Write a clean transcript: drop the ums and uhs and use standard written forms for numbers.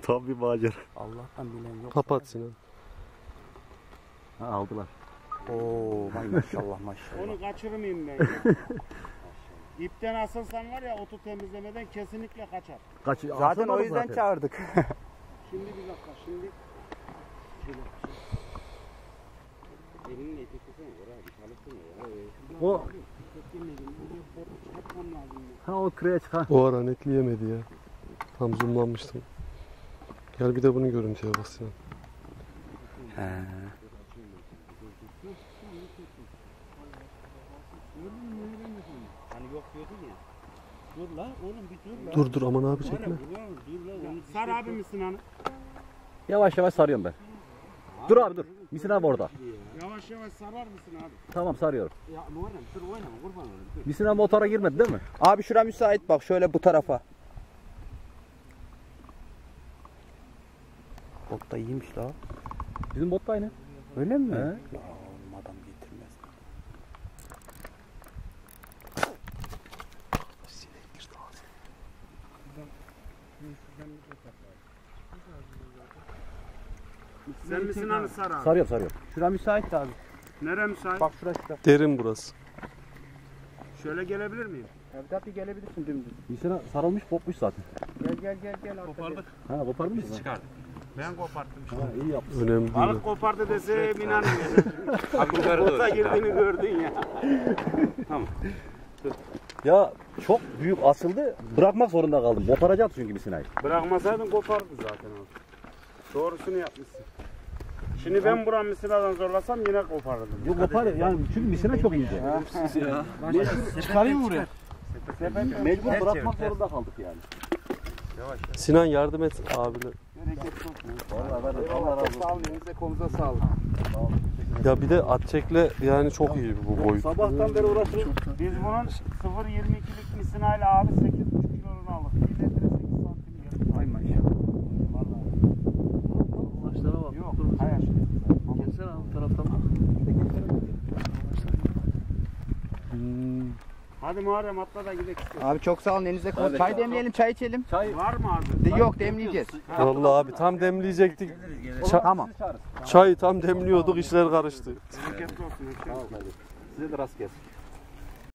Tam bir macera. Allah'tan bilen yok. Kapat Sinan. Ha, aldılar. Oo maşallah maşallah. Onu kaçırmayayım ben. İpten asılsan var ya otu temizlemeden kesinlikle kaçar. Zaten o yüzden çağırdık. Şimdi bir dakika şimdi. Elinin eti tutsana oraya bir çalışsın ya. O ha o kıraya çıkan. O ara netleyemedi ya. Tam zoomlanmıştım. Gel bir de bunun görüntüye bak Sinan. He. Hani yok diyordun ya. Dur la oğlum bir dur la. Dur aman abi çekme. Dur la. Sar abi misin hani? Yavaş yavaş sarıyorum ben. Dur abi dur. Misin abi orada. Yavaş yavaş sarar mısın abi? Tamam sarıyorum. Ya Muharrem dur oynama kurban olayım. Misin abi motora girmedi değil mi? Abi şura müsait bak şöyle bu tarafa. Bot da iyiymiş la. Bizim bot da aynı. Öyle mi? He. Ya oğlum adam getirmez. Sen misin hani sar abi? Sarıyorum. Şura müsait abi. Nere müsait? Bak şura. Derin burası. Şöyle gelebilir miyim? Evde bir gelebilirsin dümdüz. Misin abi sarılmış kopmuş zaten. Gel. Kopardık. Ha kopardın mı? Çıkardık. Ben koparttım işte. Ha, iyi yaptın. Önemli değil. Balık kopardı dese inanmıyorum. Bota girdiğini gördün ya. Ya çok büyük asıldı. Bırakmak zorunda kaldım. Koparacak çünkü misinayı. Bırakmasaydın kopardı zaten abi. Doğrusunu yapmışsın. Şimdi ben buram misinadan zorlasam yine koparırdım. Yok kopar yani çünkü misina çok ince. Çıkarayım mı buraya? Mecbur bırakmak zorunda kaldık yani. Sinan yardım et abine. Allah razı olsun. Sağ olun. Elinize kolunuza sağlık. Ya bir de at çekle yani çok iyi bu boyut. Sabahtan beri uğraşıyoruz. Biz bunun 0.22'lik misinayla abi 8,5 kilonu aldık. 1 litre 8 santim geldi. Ay maşallah. Vallahi. Başlara bak. Yok. Hayır. Gelsene abi taraftan bak. Hadi Muharrem atla da gidelim. Abi çok sağ olun elinize kolunuza. Evet. Çay demleyelim çay içelim. Var mı abi? Yok demleyeceğiz. Vallahi abi tam demleyecektik. Tamam. Çayı tam demliyorduk işler karıştı. Bereketli olsun. Size de rast gelsin.